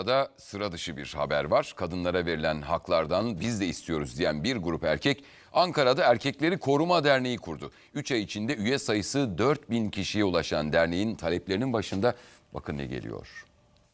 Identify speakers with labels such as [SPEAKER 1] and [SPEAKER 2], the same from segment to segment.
[SPEAKER 1] Da sıra dışı bir haber var. Kadınlara verilen haklardan biz de istiyoruz diyen bir grup erkek Ankara'da Erkekleri Koruma Derneği kurdu. 3 ay içinde üye sayısı 4000 kişiye ulaşan derneğin taleplerinin başında bakın ne geliyor.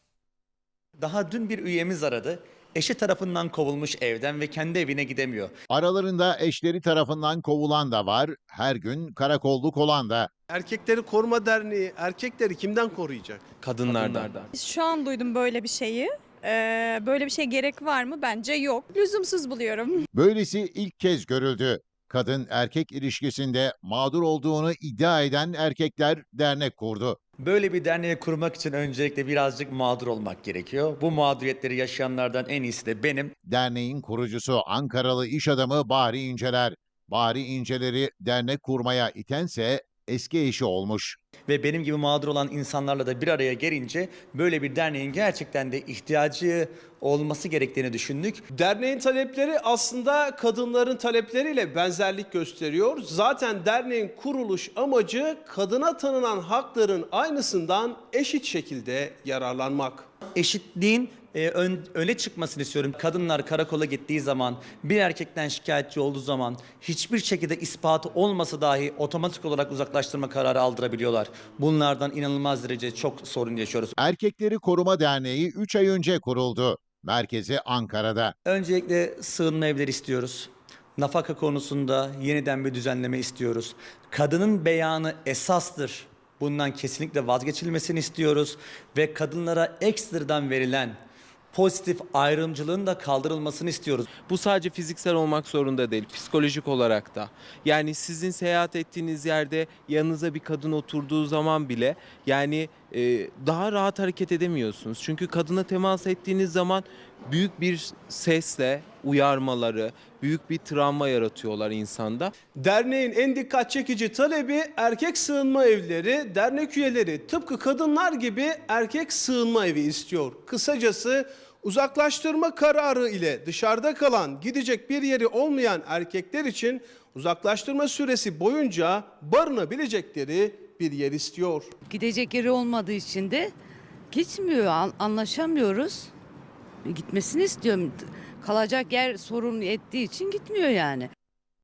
[SPEAKER 2] Daha dün bir üyemiz aradı. Eşi tarafından kovulmuş evden ve kendi evine gidemiyor.
[SPEAKER 3] Aralarında eşleri tarafından kovulan da var, her gün karakolluk olan da.
[SPEAKER 4] Erkekleri Koruma Derneği erkekleri kimden koruyacak?
[SPEAKER 5] Kadınlardan.
[SPEAKER 6] Şu an duydum böyle bir şeyi. Böyle bir şey gerek var mı? Bence yok. Lüzumsuz buluyorum.
[SPEAKER 3] Böylesi ilk kez görüldü. Kadın erkek ilişkisinde mağdur olduğunu iddia eden erkekler dernek kurdu.
[SPEAKER 2] Böyle bir derneği kurmak için öncelikle birazcık mağdur olmak gerekiyor. Bu mağduriyetleri yaşayanlardan en iyisi de benim.
[SPEAKER 3] Derneğin kurucusu Ankaralı iş adamı Bahri İnceler. Bahri İnceler'i dernek kurmaya itense eski eşi olmuş.
[SPEAKER 2] Ve benim gibi mağdur olan insanlarla da bir araya gelince böyle bir derneğin gerçekten de ihtiyacı olması gerektiğini düşündük.
[SPEAKER 4] Derneğin talepleri aslında kadınların talepleriyle benzerlik gösteriyor. Zaten derneğin kuruluş amacı kadına tanınan hakların aynısından eşit şekilde yararlanmak.
[SPEAKER 2] Eşitliğin öne çıkmasını istiyorum. Kadınlar karakola gittiği zaman, bir erkekten şikayetçi olduğu zaman hiçbir şekilde ispatı olmasa dahi otomatik olarak uzaklaştırma kararı aldırabiliyorlar. Bunlardan inanılmaz derece çok sorun yaşıyoruz.
[SPEAKER 3] Erkekleri Koruma Derneği 3 ay önce kuruldu. Merkezi Ankara'da.
[SPEAKER 2] Öncelikle sığınma evleri istiyoruz. Nafaka konusunda yeniden bir düzenleme istiyoruz. Kadının beyanı esastır. Bundan kesinlikle vazgeçilmesini istiyoruz. Ve kadınlara ekstradan verilen pozitif ayrımcılığın da kaldırılmasını istiyoruz.
[SPEAKER 5] Bu sadece fiziksel olmak zorunda değil, psikolojik olarak da. Yani sizin seyahat ettiğiniz yerde yanınıza bir kadın oturduğu zaman bile daha rahat hareket edemiyorsunuz. Çünkü kadına temas ettiğiniz zaman büyük bir sesle uyarmaları, büyük bir travma yaratıyorlar insanda.
[SPEAKER 4] Derneğin en dikkat çekici talebi erkek sığınma evleri. Dernek üyeleri tıpkı kadınlar gibi erkek sığınma evi istiyor. Kısacası uzaklaştırma kararı ile dışarıda kalan, gidecek bir yeri olmayan erkekler için uzaklaştırma süresi boyunca barınabilecekleri bir yer istiyor.
[SPEAKER 7] Gidecek yeri olmadığı için de gitmiyor, anlaşamıyoruz. Gitmesini istiyorum. Kalacak yer sorun ettiği için gitmiyor yani.